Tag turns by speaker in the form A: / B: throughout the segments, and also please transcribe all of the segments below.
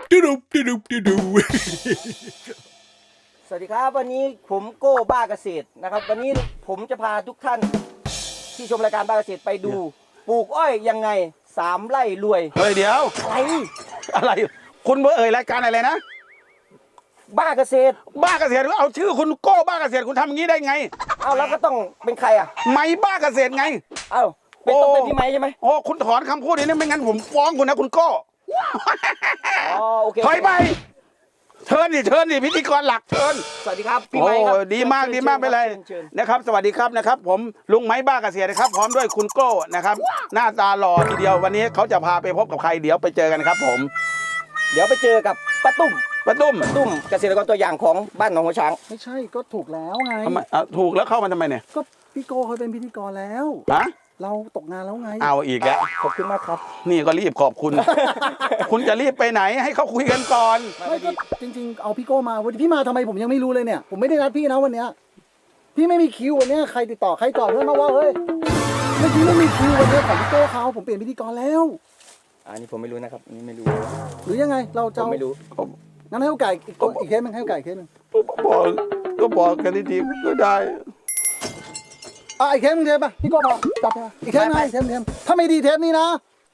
A: สวัสดีครับวันนี้ผมโก้บ้าเกษตรนะครับวันนี้ผมจะพาทุกท่านที่ชมรายการบ้าเกษตรไปดูปลูกอ้อยยังไง3 ไร่รวย
B: เฮ้ยเดี๋ยวอะไรคุณเอ่ยรายการอะไรนะ
A: บ้าเกษตร
B: เอาชื่อคุณโก้บ้าเกษตรคุณทำอย่างนี้ได้ไง
A: เอาแล้วก็ต้องเป็นใครอ่ะ
B: ไม้บ้าเกษตรไง
A: เอาต้องเป็นพี่ไม้ใช่ไหม
B: โอ้คุณถอนคำพูดนี้ไม่งั้นผมฟ้องคุณนะคุณโก้
A: อ๋อโอเค
B: ถอยไปเชิญดิพิธีกรหลักเชิญ
A: สวัสดีครับพี่ไม้ครับ
B: ดีมากไปเลยนะครับสวัสดีครับนะครับผมลุงไม้บ้าเกษตรนะครับพร้อมด้วยคุณโก้นะครับหน้าตาหล่อทีเดียววันนี้เขาจะพาไปพบกับใครเดี๋ยวไปเจอกันครับผม
A: เดี๋ยวไปเจอกับป้าตุ้มเกษตรกรตัวอย่างของบ้านหนองหัวช้าง
C: ไม่ใช่ก็ถูกแล้วไง
B: ทำไมถูกแล้วเข้ามาทำไมเนี่ย
C: ก็พี่โก้เขาเป็นพิธีกรแล้วเราตกงานแล้วไง
B: เอาอีกแล้ว
A: ขอบคุณมากครับ
B: นี่ก็รีบขอบคุณ คุณจะรีบไปไหนให้เขาคุยกันก่อน
C: ไม่ก็จริงๆเอาพี่โก้มาวันนี้พี่มาทำไมผมยังไม่รู้เลยเนี่ยผมไม่ได้นัดพี่นะวันเนี้ยพี่ไม่มีคิววันเนี้ยใครติดต่อใครก่อนเพื่อนมาว่าเฮ้ยเมื่อกี้ไม่มีคิววันเนี้ยของพี่โก้เขาผมเปลี่ยนพิธีกรแล้ว
A: อันนี้ผมไม่รู้นะครับอันนี้ไม่รู้
C: หรือยังไงเราจะ
A: ไม่รู้
C: งั้นให้เขาไก่อีกเคสนึงให้เขาไก่เคสนึง
B: บอกกันดีๆก็ได้
C: อีกเทปนึงเทปป่ะพี่โก้พอจับอีกเทปนึงเทปถ้าไม่ดีเทปนี้นะ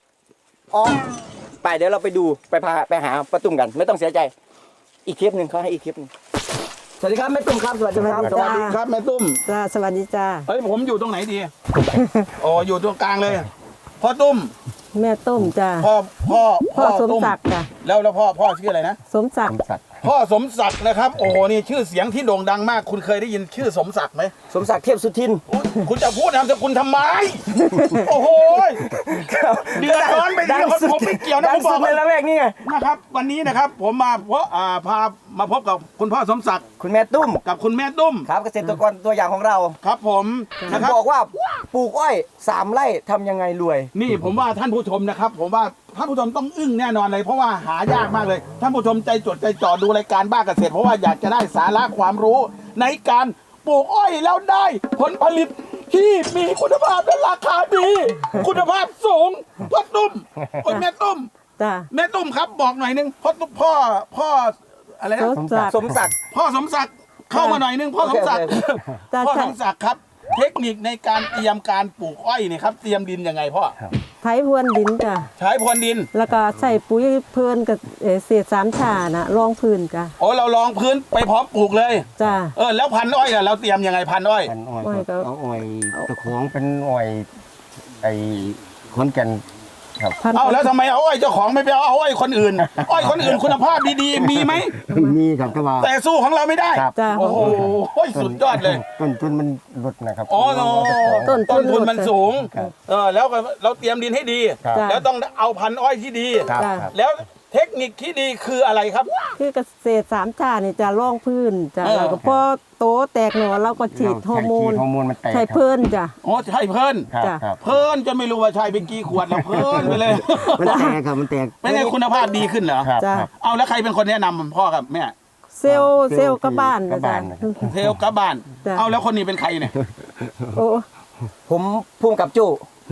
A: ไปเดี๋ยวเราไปดูไปหาป้าตุ้มกันไม่ต้องเสียใจอีกเทปนึงเขาให้อีกเทปนึงสวัสดีครับแม่ตุ้มครับสวัสดีครับ
B: สวัสดีครับแม่ตุ้ม
D: จ้าสวัสดีจ้า
B: เฮ้ยผมอยู่ตรงไหนดีอยู่ตรงกลางเลยพ่อตุ้ม
D: แม่ตุ้มจ้า
B: พ่อ
D: สมศักดิ์จ้ะ
B: แล้วพ่อชื่ออะไรนะ
D: สมศักดิ์
B: พ่อสมศักดิ์นะครับโอ้โหนี่ชื่อเสียงที่โด่งดังมากคุณเคยได้ยินชื่อสมศักดิ์ไหม
A: สมศักดิ์เทพสุทิน
B: คุณจะพูดนามสกุลทำไมโอ้โหเดือดร้อนไปเดียวผมไม่เกี่ยวนะผมบอก
A: เลยละแวกนี่ไง
B: นะครับวันนี้นะครับผมมาพามาพบกับคุณพ่อสมศักดิ์
A: คุณแม่ตุ้ม
B: กับคุณแม่ตุ้ม
A: ครับเกษตรกรตัวอย่างของเรา
B: ครับผม
A: นะครับบอกว่าปลูกอ้อย3 ไร่ทำยังไงรวย
B: นี่ผมว่าท่านผู้ชมนะครับผมว่าท่านผู้ชมต้องอึ้งแน่นอนเลยเพราะว่าหายากมากเลยท่านผู้ชมใจจดใจจ่อดูรายการบ้าเกษตรเพราะว่าอยากจะได้สาระความรู้ในการปลูกอ้อยแล้วได้ผลผลิตที่มีคุณภาพและราคาดีคุณภาพสูงพ่อตุ้มแม่ตุ้มแม่ตุ้มครับบอกหน่อยนึงพ่ออะไรนะ
A: สมศักดิ์
B: พ่อสมศักดิ์เข้ามาหน่อยนึงพ่อสมศักดิ์ครับเทคนิคในการเตรียมการปลูกอ้อยนี่ครับเตรียมดินยังไงพ่อ
D: ใช้พรวนดินจ้ะ
B: ใช้พรวนดิน
D: แล้วก็ใส่ปุ๋ยเพลินกับเศษ3 ฉ่านะรองพื้นจ้ะ
B: เรารองพื้นไปพร้อมปลูกเลย
D: จ้ะ
B: แล้วพันอ้อยเราเตรียมยังไงพันอ้อย
E: ก็เอาอ้อยตะขวงเป็นอ้อยขอนแก่น
B: ครับแล้วทำไมเอาอ้อยเจ้าของไม่ไปเอาอ้อยคนอื่นอ้อยคนอื่นคุณภาพดีๆมีไหม
E: มีครับ
B: แต่สู้ของเราไม่ได้โอ้โหสุดยอดเลย
E: ต้นทุนมันลดนะครับ
B: ต้นทุนมันสูงแล้วเราเตรียมดินให้ดีแล้วต้องเอาพันอ้อยที่ดีแล้วเทคนิคที่ดีคืออะไรครับ
D: คือเกษตร3 ฉ่านี่จะรองพื้นจ้ะแล้วก็พอโตแตกหน่อเราก็ฉีดฮอร์โมนใช่เพลินจ้ะ
B: ใช่เพลินเพลินจนไม่รู้ว่าใช่ไปกี่ขวดแล้วเพลินไปเลย
E: มันแตกครับมันแตก
B: ไม่ไงคุณภาพดีขึ้นเหรอเอาแล้วใครเป็นคนแนะนำพ่อกับแม่
D: เซลล์กับบ้านจ้ะ
B: เซลล์กับบ้านเอาแล้วคนนี้เป็นใครเนี่ย
A: ผมพุ่งกับจู้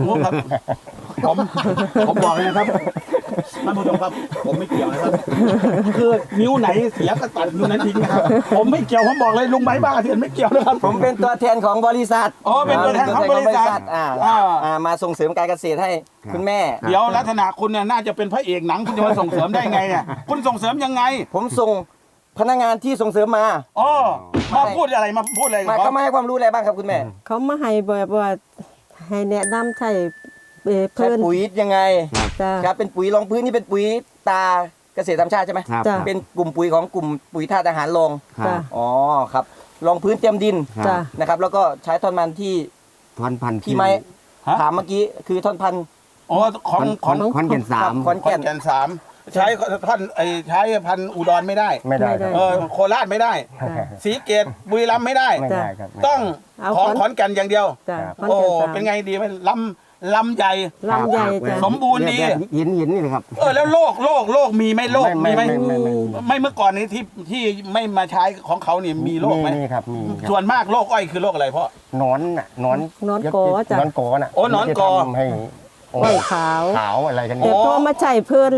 B: ผมบอกเลยนะครับท่านผู้ชมครับผมไม่เกี่ยวนะครับคือนิ้วไหนเสียก็ตัดนิ้วนั้นทิ้งนะครับผมไม่เกี่ยวผมบอกเลยลุงไม้บ้าเถื่อนไม่เกี่ยวนะครับ
A: ผมเป็นตัวแทนของบริษัท
B: เป็นตัวแทนของบริษัท
A: มาส่งเสริมการเกษตรให้คุณแม่
B: เดี๋ยวลักษณะคุณเนี่ยน่าจะเป็นพระเอกหนังคุณจะมาส่งเสริมได้ไงเนี่ยคุณส่งเสริมยังไง
A: ผมส่งพนักงานที่ส่งเสริมมา
B: มาพูดอะไร
A: เขามาให้ความรู้อะไรบ้างครับคุณแม่
D: เขามาให้แบบว่าให้แนะนำใช้
A: ใช้ปุ๋ยยังไงครับเป็นปุ๋ยรองพื้นนี่เป็นปุ๋ยตาเกษตรธรรมชาติใช่ไหมเป็นกลุ่มปุ๋ยของกลุ่มปุ๋ยธาตุอาหารรองครับรองพื้นเตรียมดินนะครับแล้วก็ใช้ท่อนมันที่
E: ท่อนพันธุ์
A: ที่ไม้ถามเมื่อกี้คือท่อนพันธุ์
E: ของขอนแก่น3
A: ขอนแก่น
B: 3ใช้ท่านใช้พันธุ์อุดรไม่ได้โคราชไม่ได้ศรีเกตบุรีรัมย์ไม่ได้ต้องของขอนแก่นอย่างเดียวเป็นไงดีไหมลำใหญ่สมบูรณ์ดี
E: หินนี่เลยครับ
B: แล้วโรคมีไหมโรคมีไหมไม่เมื่อก่อนนี้ที่ไม่มาใช้ของเขาเนี่ยมีโรคไหม
E: มีครับมี
B: ส่วนมากโรคอ้อยคือโรคอะไรพ่อ
E: นอน
D: กอจ้ะ
E: นอนกอน่ะ
B: นอนกอ
E: ให้
D: อ้อยขาว
E: อะไรกัน
D: แต่พอมาใช้เพลินแล้ว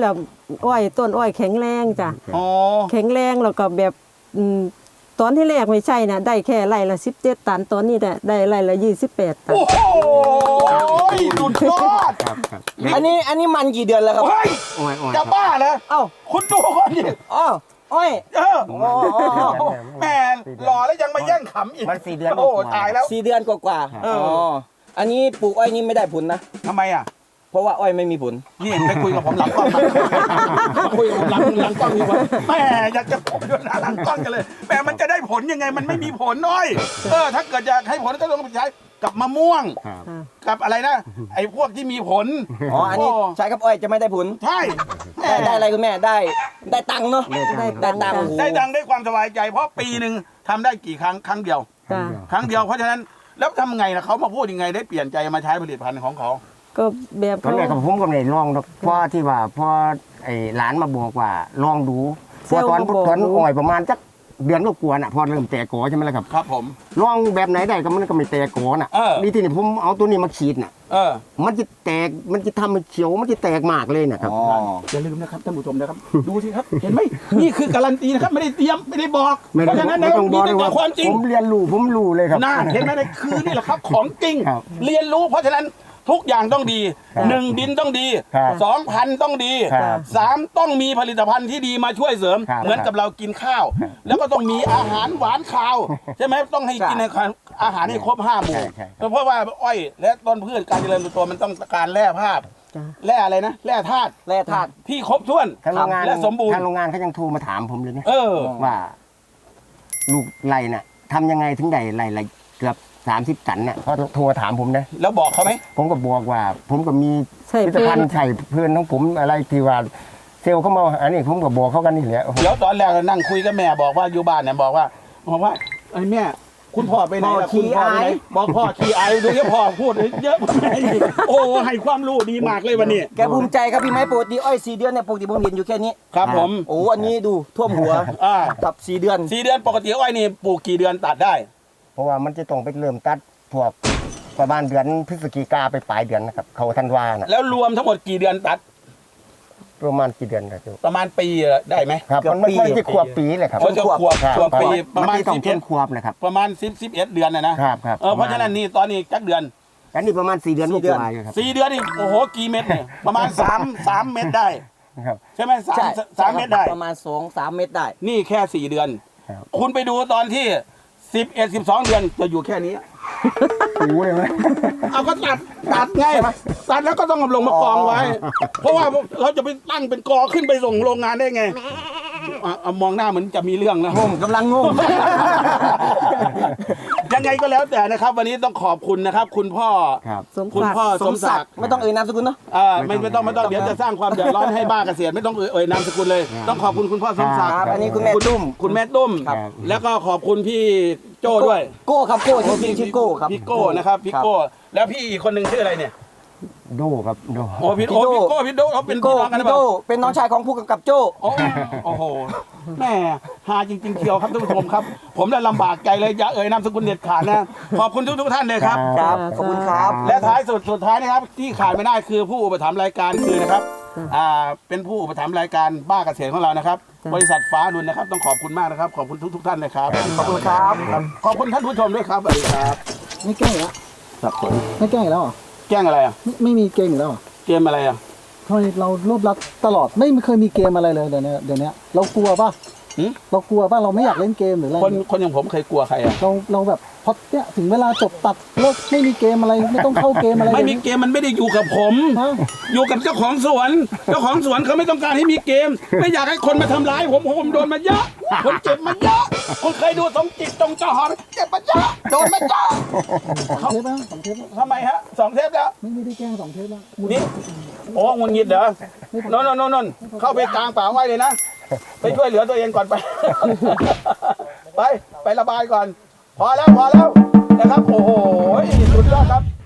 D: อ้อยต้นอ้อยแข็งแรงจ้ะ
B: อ๋อ
D: แข็งแรงแล้วก็แบบตอนที่แรกไม่ใช่นะได้แค่ไร่ละ17 ตันตอนนี้ได้ไร่ละ28 ตัน
B: โอ้โหสุดยอด
E: ครับครับ
A: อันนี้มันกี่เดือนแล้วครับ
B: เฮ้ย
E: อ้อยอ้อย
B: จะบ้าเหรอ
A: เอ้า
B: คุณดูคนนี้
A: อ้าวอ้อย
B: เออแหม่หล่อแล้วยังมาแย่งขำอีก
E: มัน4 เดือน
B: โอ้ตายแล้ว
A: 4 เดือนกว่าๆอ๋ออันนี้ปลูกอ้อยนี่ไม่ได้ผลนะ
B: ทำไมอ่ะ
A: เพราะว่าอ้อยไม่มีผล
B: นี่ไปคุยกับผมหลังกล้องมาคุยกับผมหลังกล้องดีกว่าแหม่อยากจะผมด้วยนะหลังกล้องกันเลยแหม่มันจะได้ผลยังไงมันไม่มีผลน้อยถ้าเกิดอยากให้ผลก็ต้องไปใช้กับมะม่วง
E: ครับ
B: กับอะไรนะไอ้พวกที่มีผล
A: อ๋อ อันนี้ใช้กับอ้อยจะไม่ได้ผล
B: ใช่แหม่
A: ได้อะไรคุณแม่ได้ตังค์เนาะ ได้ตังค์
B: ได้ดังได้ความสบายใจ เพราะปีหนึ่งทำได้กี่ครั้งเดียว
D: จ้ะ
B: ครั้งเดียวเพราะฉะนั้นแล้วทำไงล่ะเขามาพูดยังไงได้เปลี่ยนใจมาใช้ผลิตภัณฑ์ของเขา
D: ก็แบบ
E: ตอน
D: เขา
E: แรกกับผมก็ไม่ได้ลองหรอกเพราะที่ว่าพอไอ้หลานมาบอกว่าลองดูพอตอนอ่อยประมาณสักเดือนก็กลัวน่ะพอเริ่มแตกกอใช่ไหมล่ะครับ
B: ครับผม
E: ลองแบบไหนได้ก็มันก็ไม่แตกกอน่ะ
B: เออ
E: นี่ที่นี่ผมเอาตัวนี้มาฉีดน่ะ มันจะแตกมันจะทำให้เขียวมันจะแตกมากเลยนะครับ
A: อ๋อ
B: อย่าลืมนะครับท่านผู้ชมนะครับ ดูสิครับ เห็นไหมนี่คือการันตีนะครับไม่ได้เตรียมไม่ได้บอก
E: ไม่
B: เพราะฉะนั้น
E: ไม่
B: นะ
E: ต้องบ
B: มี
E: อกเลย
B: แต่
E: ว่า
B: ความจริง
E: ผมเรียนรู้ผมรู้เลยครับ
B: น่าเห็นไหมนี่แหละครับของจริง
E: ครับ
B: เรียนรู้เพราะฉะนั้นทุกอย่างต้องดี
E: ครับ
B: 1 ดินต้องดี
E: ครับ
B: 2 พันธุ์ต้องดี
E: ครับ
B: 3 ต้องมีผลิตภัณฑ์ที่ดีมาช่วยเสริม
E: ครับ
B: เหมือนกับเรากินข้าว แล้วก็ต้องมีอาหารหวานคาวใช่ไหมต้องให้กินอาหารให้ครบ5 หมู่
E: ใช่
B: เพราะว่าอ้อยและต้นพืชการเจริญเติบโตมันต้องการแร่ธาตุ
D: จ้ะ
B: แร่อะไรนะแร่ธาตุ
A: แร่ธาตุ
B: ที่ครบถ้วน
E: ทางโรงงาน
B: และสมบูรณ์
E: ทางโรงงานเขายังโทรมาถามผมเลยนะ
B: ว่า
E: ลูกไรน่ะทำยังไงถึงได้ไรเกือบ30 ตันน่ะเขาโทรถามผมนะ
B: แล้วบอกเขาไหม
E: ผมก็บอกว่า ผมก็มี
D: ใช่
E: ผลิตภัณฑ์ใส่เพื่อนของผมอะไรที่ว่าเซลล์เขามาอันนี้ผมก็บอกเขากันนี่แหละ
B: เดี๋ยวตอนแรกเรานั่งคุยกับแม่บอกว่าอยู่บ้านเนี่ยบอกว่าไอ้แม่คุณพ่อไปไหนล่ะ
A: พ่อขี้
B: คุณพ่อไปไหน
A: อาย
B: บอกพ่อขี้อายดูที่พ่อพูดเยอะกว่าแม่อีกโอ้ให้ความรู้ดีมากเลยวันนี้
A: แกภูมิใจครับพี่ไม้ปกติอ้อย4 เดือนเนี่ยปกติผมเห็นอยู่แค่นี้
B: ครับผม
A: โอ้อันนี้ดูท่วมหัว กับ4 เดือน
B: 4 เดือนปกติอ้อยนี่ปลูกกี่เดือนตัดได้
E: เพราะว่ามันจะต้องไปเริ่มตัดพวกประมาณเดือนพฤศจิกาไปปลายเดือนนะครับเขาธันวาน่ะ
B: แล้วรวมทั้งหมดกี่เดือนตัด
E: ประมาณกี่เดือนครับ
B: ประมาณปีได้ไหม
E: ครับ
A: เกือบ
E: มัน
A: ปี
E: ไม่ใช่ขวบปีเลยครับ
B: เขาจะขวบ
E: ครับ
B: ขวบปีประมาณ
E: นต้องเป็นขวบนะครับ
B: ประมาณ11 เดือนนะครับ
E: ครับ
B: เพราะฉะนั้นนี่ตอนนี้จักเดือน
E: อันนี้ประมาณ4 เดือน
A: 4 เดือน
E: กว่าๆอยู่ครับ
B: 4 เดือนนี่โอ้โหกี่เม็ดเนี่ยประมาณ3 เม็ดได้
E: ครับ
B: ใช่ไหม
A: ใช่
B: สามเม็ดได้
A: ประมาณ2-3 เม็ดได้
B: นี่แค่ 4 เดือน
E: ครับ
B: คุณไปดูตอนที่ 11 12 เดือนจะอยู่แค่นี้
E: หูเลยไหม
B: เอาก็ตัดไงตัดแล้วก็ต้องเอาลงมากองไว้ เพราะว่าเราจะไปตั้งเป็นกอขึ้นไปส่งโรงงานได้ไงเอามองหน้าเหมือนจะมีเรื่องนะ
A: งงกำลังงง
B: ยังไงก็แล้วแต่นะครับ วันนี้ต้องขอบคุณนะครับ คุณพ่อ
E: ครับ
D: สม
B: คุณ
D: ศักดิ์
B: พ่อสมศักดิ์
A: ไม่ต้องเอ่ยนามสกุลเนาะ
B: ไม่ต้องเดี๋ยวจะสร้างความเดือดร้อนให้บ้าเกษตรไม่ต้องเอ่ยนามสกุลเลย ต้องขอบคุณคุณพ่อสมศักดิ์
A: ครับ อันนี้คุณแม่ตุ้ม
B: คุณแม่ตุ้ม
E: ครับ
B: แล้วก็ขอบคุณพี่โจ้ด้วย
A: โก้ครับโก้จริงๆชื่อโก้ครับ
B: พี่โก้นะครับพี่โก้แล้วพี่อีกคนหนึ่งชื่ออะไรเนี่ย
E: โดครับโด
B: โอ้พี่โก้พี่โดเขาเป็น
A: พี่
B: พี่
A: โก้
B: น้องกันหรือ
A: พี่
B: เป
A: โก้
B: ล่า
A: เป็นน้องชายของผู้กำกับโจ้
B: โอ้โหแม่หาจริงๆเชียวครับท่านผู้ชมครับ ผมได้ลำบากใจเลยอย่าเอ่ยนามสกุลเด็ดขาดนะขอบคุณทุกท่านเลยครับ
A: ครับ ขอบคุณครับ
B: และท้ายสุดท้ายนะครับที่ขาดไม่ได้คือผู้อุปถัมภ์รายการคือนะครับเป็นผู้อุปถัมภ์รายการบ้าเกษตรของเรานะครับ บริษัทฟ้ารุ่นนะครับต้องขอบคุณมากนะครับขอบคุณทุกท่านเลยครับ
A: ขอบคุณครับ
B: ขอบคุณท่านผู้ชมด้วยครับสวัสดีครับ
C: ไม่แกล้งอีกแล้ว
B: ครับผม
C: ไม่แกล้งอีกแล้วเหรอ
B: แกล้งอะไรอ่ะ
C: ไม่มีเกมอีกแล้วเหรอ
B: เกมอะไรอ่ะ
C: ทำไมเรารวบรัดตลอดไม่เคยมีเกมอะไรเลยเดี๋ยวนี้เรากลัวป่ะ
B: หืม
C: เรากลัวป่ะเราไม่อยากเล่นเกมหรืออะไร
B: คนอย่างผมเคยกลัวใครอ่ะ
C: เราแบบพอเนี่ยถึงเวลาจบตัดเลิกไม่มีเกมอะไรไม่ต้องเข้าเกมอะไร
B: ไม่มีเกมมันไม่ได้อยู่กับผม
C: ฮะ
B: อยู่กับเจ้าของสวน เจ้าของสวนเขาไม่ต้องการให้มีเกม ไม่อยากให้คนมาทำร้ายผมโดนมาเยอะ ผมเจ็บมาเยอะคุณเคยดูสมจิตจงเจ้าหอเจ็บมาเยอะโดนมาเยอะ
C: 2 เทปแล้ว2 เทปแล้ว
B: ทำไมฮะ2 เทปแล้ว
C: ไม่ได้แกล้ง2 เทปแล้ว
B: นี่โอ้งุนงิดเหรอนนเข้าไปกลางป่าไว้เลยนะ ไปช่วยเหลือตัวเองก่อนไป ไประบายก่อน พอแล้วนะครับ โอ้โหสุดยอดครับ